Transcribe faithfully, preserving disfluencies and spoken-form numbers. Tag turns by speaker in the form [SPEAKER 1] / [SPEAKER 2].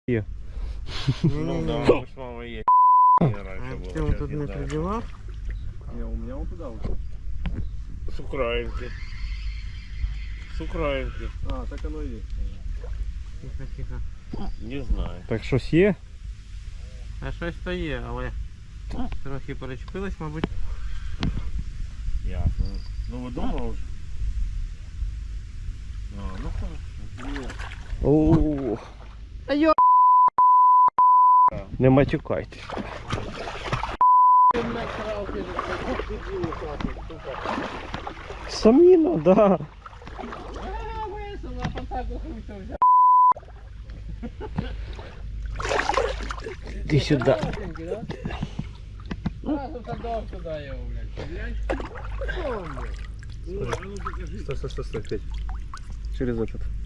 [SPEAKER 1] Є.
[SPEAKER 2] Ну да, мы с мамой есть. Раньше было,
[SPEAKER 3] Артем
[SPEAKER 2] сейчас
[SPEAKER 3] тут
[SPEAKER 2] не
[SPEAKER 3] не
[SPEAKER 2] знаю.
[SPEAKER 3] придевал.
[SPEAKER 4] Не, у меня он туда ушел.
[SPEAKER 2] С Украинки. С Украинки.
[SPEAKER 4] А, так оно и есть.
[SPEAKER 3] Тихо, тихо.
[SPEAKER 2] Не знаю.
[SPEAKER 1] Так щось є?
[SPEAKER 3] А щось то є, але трохи перечепилось, мабуть.
[SPEAKER 2] Ясно. Ну вы дома уже? А, ну хорошо.
[SPEAKER 1] О,
[SPEAKER 3] А йо!
[SPEAKER 1] не матюкайтесь. Саміна, да. Іди сюди.
[SPEAKER 4] Стой, стой, стой, стой, Петь. Через этот.